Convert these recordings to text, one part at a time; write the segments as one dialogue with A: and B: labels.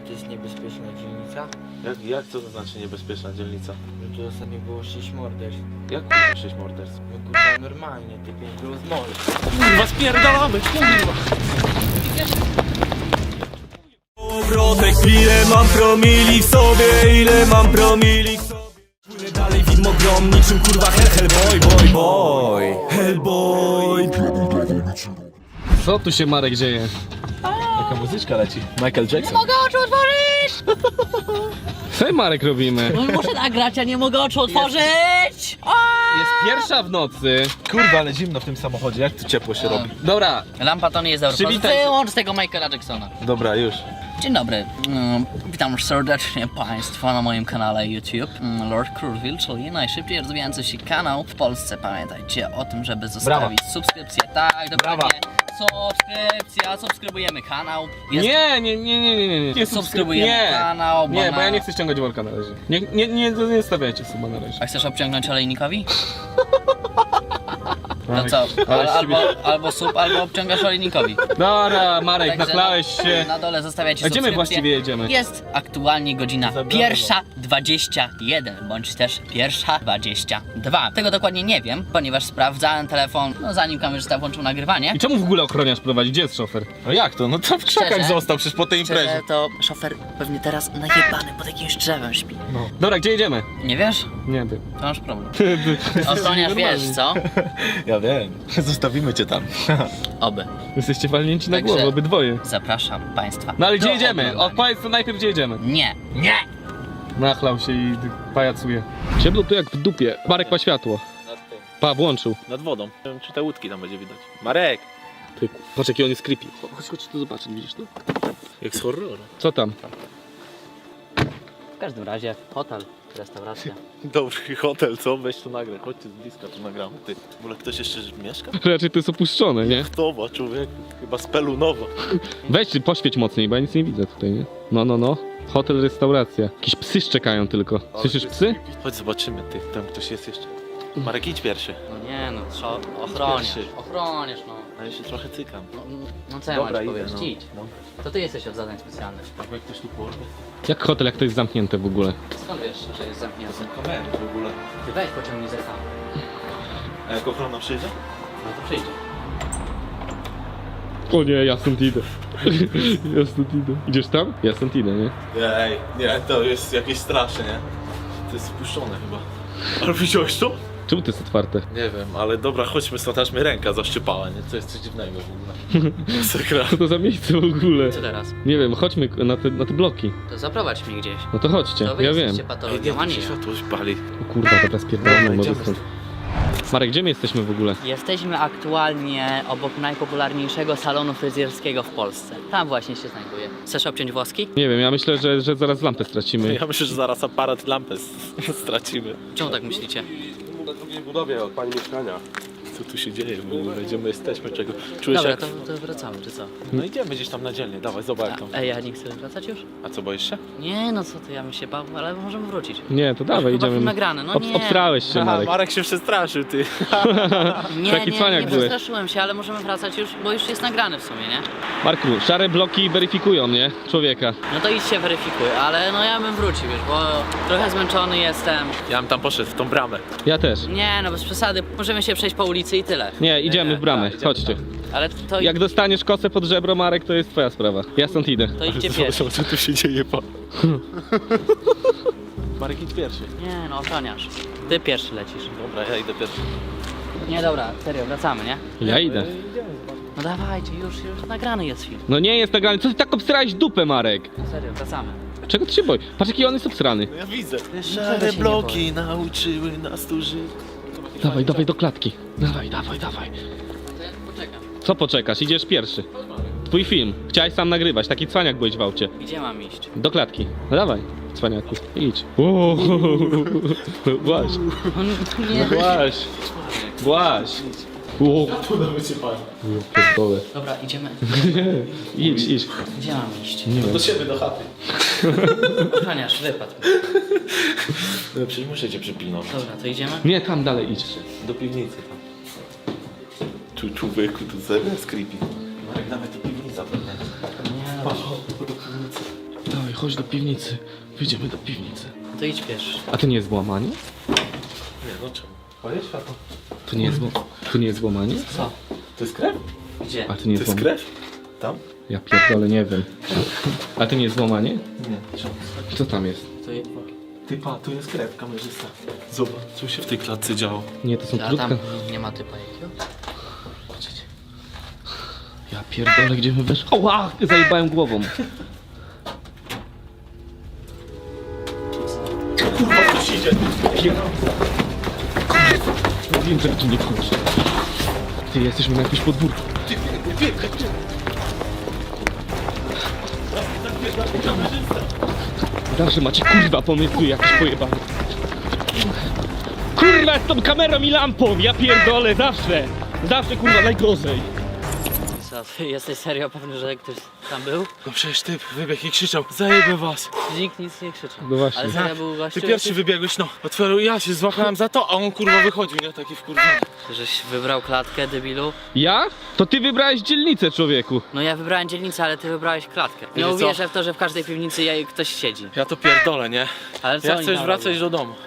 A: to jest niebezpieczna dzielnica?
B: Jak co to znaczy niebezpieczna dzielnica?
A: No tu ostatnio było 6 morderstw.
B: Jak kurwa 6 morderstw?
A: No kurwa normalnie, te 5 było z mole.
B: Kurwa spierdalamy, kurwa!
C: Obrotek, ile mam promili w sobie, ile mam promili w sobie. Płynę dalej widmo grom, niczym kurwa Hellboy.
D: Co tu się, Marek, dzieje?
B: Jaka muzyczka leci? Michael Jackson.
E: Mogę oczu otworzyć!
D: Co Marek robimy?
E: No muszę nagrać, a nie mogę oczu otworzyć!
D: Jest pierwsza w nocy.
B: Kurwa, ale zimno w tym samochodzie, jak tu ciepło się robi?
D: Dobra,
E: Lampa to nie jest dobra.
D: Przywitaj się.
E: Wyłącz tego Michaela Jacksona.
B: Dobra, już.
E: Dzień dobry. Witam serdecznie Państwa na moim kanale YouTube. Lord Crurville, czyli najszybciej rozwijający się kanał w Polsce. Pamiętajcie o tym, żeby zostawić subskrypcję. Tak, dokładnie. Subskrypcja, subskrybujemy kanał. Jest...
D: nie.
E: Subskrybujemy kanał, bo
D: Nie, bo ja
E: na-
D: nie chcę ściągać worka na razie. Nie stawiajcie suba na razie.
E: A chcesz obciągnąć olejnikowi? No co?
D: ale
E: Albo sub, albo obciągasz olejnikowi.
D: Dobra, Marek,
E: Także
D: nachlałeś się.
E: Na dole zostawiacie
D: A gdzie my
E: subskrypcję.
D: właściwie jedziemy?
E: Jest aktualnie godzina 1:21, bądź też 1:22. Tego dokładnie nie wiem, ponieważ sprawdzałem telefon, no zanim kamerzysta włączył nagrywanie.
D: I czemu w ogóle ochroniarz prowadzi? Gdzie jest szofer?
B: No jak to? No to w krzakach
E: Szczerze?
B: został przecież po tej imprezie.
E: Szczerze, to szofer pewnie teraz najebany pod jakimś drzewem śpi.
D: Dobra, gdzie jedziemy?
E: Nie wiesz?
D: Nie wiem.
E: To masz problem. Ochroniarz wiesz, co?
B: Ja wiem. Zostawimy cię tam.
E: Oby.
D: Jesteście walnięci na
E: Także-
D: głowę, obydwoje.
E: Zapraszam Państwa.
D: No ale gdzie
E: do
D: jedziemy?
E: oglądania.
D: Odpowiedz to najpierw, gdzie jedziemy.
E: Nie.
D: Nachlał się i pajacuje. Ciemno tu jak w dupie. Marek ma światło. Pa, włączył.
B: Nad wodą. Nie wiem, czy te łódki tam będzie widać. Marek!
D: Ty, patrz jaki on jest creepy. Chodź tu zobaczyć, widzisz to?
B: Jak z horroru.
D: Co tam?
E: W każdym razie hotel, restauracja.
B: Dobry hotel, co? Weź tu nagrę. Chodźcie z bliska, tu nagramy. Ty, w ogóle ktoś jeszcze mieszka?
D: Raczej to jest opuszczone, nie?
B: Kto ma, człowieku? Chyba z Pelunowa.
D: Weź, poświeć mocniej, bo ja nic nie widzę tutaj, nie? No. Hotel, restauracja. Jakieś psy szczekają tylko. Słyszysz psy?
B: Chodź zobaczymy, ty. Tam ktoś jest jeszcze. Marek, idź pierwszy.
E: No nie no, ochroniarz,
B: Pierwszy.
E: ochroniarz no.
B: A ja się trochę cykam.
E: No co ja
B: Dobra,
E: mam ci
B: idę,
E: powiedzieć?
B: no.
E: Idź. To ty jesteś od zadań specjalnych.
B: Jak ktoś tu porwie?
D: Jak hotel, jak to jest zamknięte w ogóle?
E: Skąd wiesz, że jest zamknięty?
B: Kamery w ogóle.
E: Ty weź pociągnij ze sam.
B: A jak ochrona przyjdzie?
E: No to przyjdzie.
D: O nie, ja stąd idę. Ja stąd idę. Idziesz tam? Ja stąd idę, nie?
B: Ej, nie, to jest jakieś straszne, nie? To jest spuszczone chyba. Ale widziałeś to?
D: Czemu to jest otwarte?
B: Nie wiem, ale dobra, chodźmy stąd, aż mnie ręka zaszczypała, nie? To jest coś dziwnego w ogóle. Masakra.
D: Co to za miejsce w ogóle?
E: Co teraz?
D: Nie wiem, chodźmy na te bloki.
E: To zaprowadź mnie gdzieś.
D: No to chodźcie,
E: To wy
D: ja wiem.
E: jesteście
B: Ej, nie,
E: patologomani.
B: tu się światło pali.
D: O kurwa, teraz pierdolę,
B: Dobra,
D: może
B: idziemy
D: stąd. Marek, gdzie my jesteśmy w ogóle?
E: Jesteśmy aktualnie obok najpopularniejszego salonu fryzjerskiego w Polsce. Tam właśnie się znajduje. Chcesz obciąć włoski?
D: Nie wiem, ja myślę, że zaraz lampę stracimy.
B: Ja myślę, że zaraz aparat lampę stracimy.
E: Czemu tak myślicie?
B: Na drugiej budowie od pani mieszkania. Co tu się dzieje w ogóle? Gdzie my jesteśmy? Czego? Czujesz
E: Dobra,
B: jak...
E: to wracamy, czy co?
B: No idziemy gdzieś tam na dzielnie, dawaj, zobacz jak tam.
E: Ej, ja nie chcę wracać już?
B: A co, boisz się?
E: Nie, no co ty, ja bym się bał, ale możemy wrócić.
D: Nie, to dawaj,
E: Chyba film
D: idziemy.
E: nagrany, no nie.
D: Obstrałeś się, Marek.
B: Marek się przestraszył, ty.
E: Nie,
D: Taki cwaniak
E: nie
D: byłeś.
E: przestraszyłem się, ale możemy wracać już, bo już jest nagrany w sumie, nie?
D: Marku, szare bloki weryfikują, nie? Człowieka.
E: No to idź się weryfikuj, ale no ja bym wrócił, wiesz, bo trochę zmęczony jestem.
B: Ja bym tam poszedł w tą bramę.
D: Ja też.
E: Nie, no bez przesady, możemy się przejść po ulicy i tyle.
D: Nie, idziemy w bramę,
B: idziemy
D: chodźcie.
E: Ale to,
D: Jak dostaniesz kosę pod żebro, Marek, to jest twoja sprawa. Ja stąd idę.
E: to idźcie pierwszy.
B: Zobacz, co tu się dzieje, pa. Marek, idź pierwszy.
E: Nie, no ochroniarz. Ty pierwszy lecisz.
B: Dobra, ja idę pierwszy.
E: Nie, dobra, serio, wracamy, nie?
D: Ja idę.
E: No dawajcie, już nagrany jest film.
D: No nie jest nagrany. Co ty tak obsrałeś dupę, Marek?
E: No serio, wracamy.
D: Czego ty się boisz? Patrz jaki on jest obsrany.
B: No ja widzę.
E: Czego
B: Szare
E: się nie
B: bloki nauczyły nas tu żyć.
D: Dawaj, dawaj do klatki. Dawaj.
E: To ja poczekam.
D: Co poczekasz? Idziesz pierwszy. Twój film. Chciałeś sam nagrywać, taki cwaniak byłeś w aucie.
E: Gdzie mam iść?
D: Do klatki. No dawaj, cwaniaku. Idź. Uuu. Właź.
E: Nie.
D: Właź. Właź. Uuu. Pierdolę.
E: Dobra, idziemy.
D: Idź.
E: Gdzie mam iść?
B: Do siebie, do chaty.
E: Ochroniarz, wypadł.
B: No przecież muszę cię przypilnować.
E: Dobra, to idziemy?
D: Nie, tam dalej idź.
B: Do piwnicy tam. Tu człowieku, tu serio jest creepy. Marek, nawet do piwnica pewnie.
E: Nie, no.
B: Do piwnicy.
D: Dawaj, chodź do piwnicy. Wyjdziemy do piwnicy.
E: To idź pierwszy.
D: A to nie jest włamanie?
B: Nie, no czemu? Palić światło.
D: To nie jest włamanie?
E: Co?
B: To jest krew?
E: Gdzie?
D: A to nie
B: To
D: jest
B: jest
D: włamanie?
B: krew? Tam?
D: Ja pierdolę, nie wiem. A to nie jest włamanie?
B: Nie, czemu?
D: Co tam jest?
E: To je...
B: Ty pa, tu jest krew, kamerzysta. Zobacz, co się w tej klatce działo.
D: Nie, to są
E: A
D: krótka.
E: tam nie ma typa jakiego?
D: Ja pierdolę, gdzie my weszli? Oła! Zajebałem głową.
B: Kurwa, ktoś idzie.
D: Wiem, że tu nie wchodzi. Ty, jesteśmy na jakimś podwórku. Zawsze macie kurwa pomysły jakieś pojebane. Kurwa z tą kamerą i lampą, ja pierdolę, zawsze. Zawsze kurwa najgorzej.
E: Co, ty jesteś serio pewny, że ktoś tam był?
B: No przecież typ wybiegł i krzyczał, zajebę was.
E: Nikt nic nie krzyczał.
D: No właśnie.
E: Ale serio był gościu?
B: Ty pierwszy wybiegłeś, no. Otworzył, ja się złapałem za to, a on kurwa wychodził, nie? Taki wkurwiony.
E: Żeś wybrał klatkę, debilu?
D: Ja? To ty wybrałeś dzielnicę, człowieku.
E: No ja wybrałem dzielnicę, ale ty wybrałeś klatkę. Nie
B: Wiecie co?
E: uwierzę w to, że w każdej piwnicy ktoś siedzi.
B: Ja to pierdolę, nie?
E: Ale co
B: Ja
E: oni
B: chcę już
E: tam
B: wracać
E: robią?
B: do domu.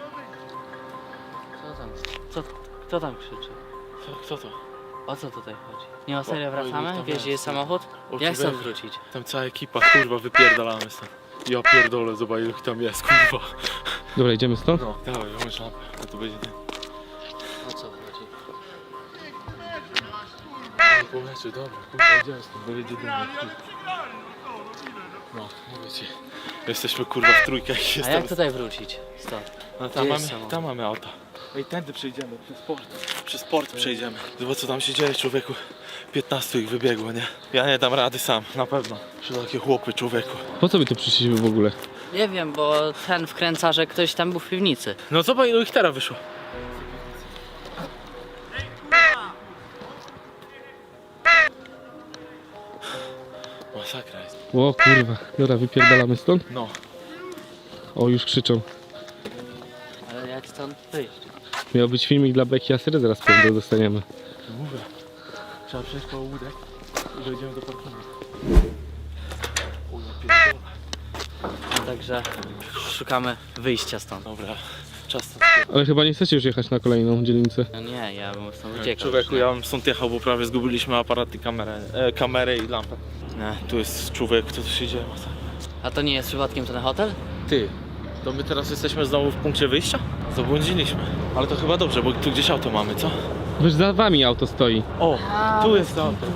E: Co tam? Kto tam krzyczy?
B: Kto to?
E: O co tutaj chodzi? Nie, o serio
B: Oj,
E: wracamy?
B: tam
E: Wiesz,
B: jest.
E: gdzie jest samochód?
B: O,
E: Jak
B: tu
E: stąd
B: będzie.
E: wrócić?
B: Tam cała ekipa, kurwa, wypierdalamy stąd. Ja pierdolę, zobacz ile ich tam jest, kurwa.
D: Dobra, idziemy stąd?
B: No, dawaj, włącz lampę, to tu będzie ten.
E: O co chodzi?
B: Poleczy, dobra, kurwa, idziemy stąd, bo będzie dym. No, mówię ci. Jesteśmy kurwa w trójkę i
E: A
B: jestem.
E: jak tutaj wrócić? Stąd.
B: No
E: Gdzie jest
B: tam mamy auto. Ej, tędy przejdziemy, przez port. Przez port przejdziemy. Zobacz co tam się dzieje, człowieku. 15 ich wybiegło, nie? Ja nie dam rady sam, na pewno. Przy takie chłopy, człowieku.
D: Po co my tu przyszliśmy w ogóle?
E: Nie wiem, bo ten wkręca, że ktoś tam był w piwnicy.
B: No zobacz ilu ich teraz wyszło. Masakra jest.
D: O kurwa. Dobra, wypierdalamy stąd?
B: No.
D: O, już krzyczą.
E: Ale jak stąd wyjść?
D: Miał być filmik dla Beki Asery, zaraz pewnie dostaniemy.
B: Mówię. Trzeba przejść koło łódek i dojdziemy do parkingu. O, ja pierdolę.
E: Także szukamy wyjścia stąd.
B: Dobra, czas stąd.
D: Ale chyba nie chcecie już jechać na kolejną dzielnicę.
E: No nie, ja bym stąd uciekał.
B: Człowieku,
E: już,
B: ja bym stąd jechał, bo prawie zgubiliśmy aparat i kamerę i lampę.
E: nie?
B: Tu jest człowiek, co tu się dzieje? Masakra.
E: A to nie jest przypadkiem ten hotel?
B: Ty, to my teraz jesteśmy znowu w punkcie wyjścia? Zabłądziliśmy. Ale to chyba dobrze, bo tu gdzieś auto mamy, co?
D: Wiesz, za wami auto stoi.
B: O, tu jest to auto.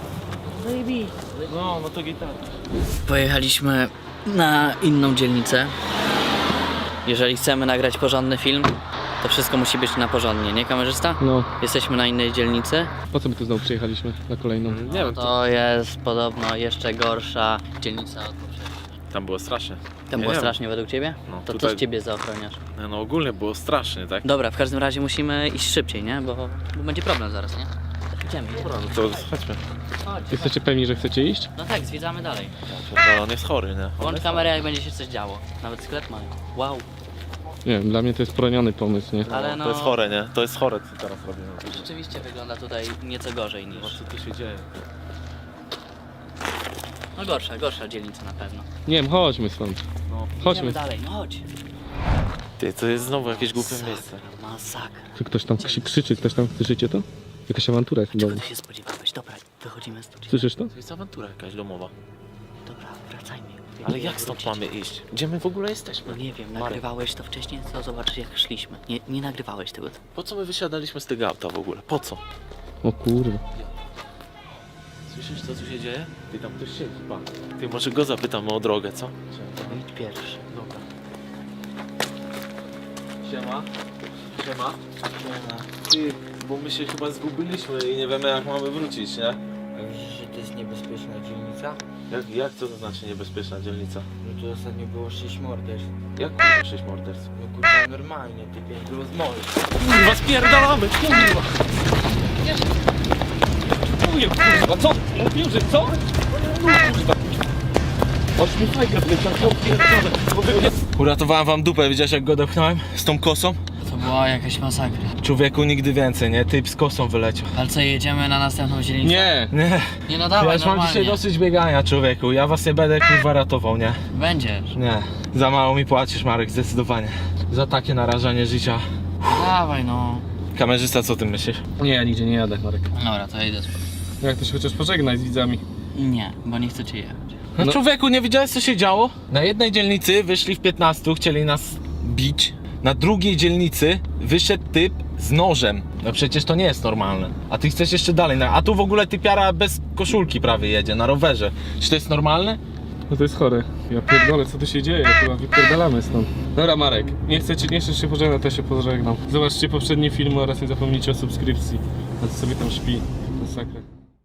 B: No to gitara.
E: Pojechaliśmy na inną dzielnicę. Jeżeli chcemy nagrać porządny film, to wszystko musi być na porządnie, nie kamerzysta?
D: No,
E: Jesteśmy na innej dzielnicy.
D: po co my tu znowu przyjechaliśmy na kolejną?
B: Nie wiem,
E: To jest podobno jeszcze gorsza dzielnica od poprzedniej.
B: tam było strasznie.
E: Tam
B: Nie
E: było
B: wiem.
E: strasznie według ciebie?
B: No,
E: To
B: tutaj-
E: co z ciebie za ochroniarz?
B: No ogólnie było strasznie, tak?
E: Dobra, w każdym razie musimy iść szybciej, nie? Bo będzie problem zaraz, nie? Idziemy.
B: Dobra, no to chodźmy.
E: Chodź.
D: Jesteście pewni, że chcecie iść?
E: No tak, zwiedzamy dalej.
B: On jest chory, nie?
E: Włącz kamerę, jak będzie się coś działo. Nawet sklep mają. Wow.
D: Nie wiem, dla mnie to jest poroniony pomysł, nie?
E: Ale no,
B: To jest chore, nie? To jest chore, co teraz robimy.
E: rzeczywiście wygląda tutaj nieco gorzej niż...
B: Co tu się dzieje?
E: No gorsza dzielnica na pewno.
D: Nie wiem, chodźmy stąd.
B: No.
D: Chodźmy.
E: Idziemy dalej, no chodź.
B: Ty, to jest znowu jakieś głupie miejsce.
E: Masakra.
D: Czy ktoś tam krzyczy, ktoś tam, słyszycie to? Jakaś awantura jest w
E: Czego
D: domu.
E: ty się spodziewałeś? Dobra, wychodzimy stąd.
D: Słyszysz to?
B: To jest awantura jakaś domowa.
E: Dobra, wracajmy.
B: Ale jak stąd mamy iść? Gdzie my w ogóle
E: No
B: jesteśmy?
E: nie wiem,
B: Marek.
E: nagrywałeś to wcześniej, to zobaczysz jak szliśmy. Nie nagrywałeś tego.
B: Po co my wysiadaliśmy z tego auta w ogóle? Po co?
D: O kurwa.
B: Słyszysz co tu się dzieje? Ty tam ktoś siedzi, pan. Ty może go zapytamy o drogę, co?
E: Idź pierwszy.
B: Dobra. Siema. Siema. Ty, bo my się chyba zgubiliśmy i nie wiemy jak mamy wrócić, nie?
A: A widzisz, że to jest niebezpieczna dzielnica?
B: Jak co to znaczy niebezpieczna dzielnica?
A: No tu ostatnio było 6 morderstw.
B: Jak kurwa 6 morderstw?
A: No kurwa normalnie, typie, było z moli.
B: Kurwa spierdalamy, kurwa!
D: Mówię, kurwa, co? Mówił, że co? Kurwa.
B: Aż mi fajkę Uratowałem wam dupę, widziałeś jak go dopchnąłem? Z tą kosą?
E: To była jakaś masakra.
B: Człowieku nigdy więcej, nie? Typ z kosą wyleciał.
E: Ale co, jedziemy na następną dzielnicę?
D: Nie!
B: Nie,
E: Nie no
B: ja
E: dawaj,
B: już mam
E: normalnie.
B: dzisiaj dosyć biegania, człowieku. Ja was nie będę kurwa ratował, nie?
E: Będziesz.
B: Nie. Za mało mi płacisz, Marek, zdecydowanie. Za takie narażanie życia.
E: Dawaj no.
B: Kamerzysta, co ty myślisz?
D: Nie, ja nigdzie nie jadę, Marek.
E: Dobra, to ja idę spać.
D: Jak to się chociaż pożegnaj z widzami?
E: Nie, bo nie chcecie jechać.
B: No, człowieku, nie widziałeś co się działo? Na jednej dzielnicy wyszli w 15, chcieli nas bić. Na drugiej dzielnicy wyszedł typ z nożem. No przecież to nie jest normalne. A ty chcesz jeszcze dalej. A tu w ogóle typiara bez koszulki prawie jedzie, na rowerze. Czy to jest normalne?
D: No to jest chore. Ja pierdolę, co tu się dzieje? Chyba wypierdalamy stąd. Dobra, Marek, nie chcesz się pożegnać, to się pożegnam. Zobaczcie poprzednie filmy oraz nie zapomnijcie o subskrypcji. A to sobie tam śpi. Masakra.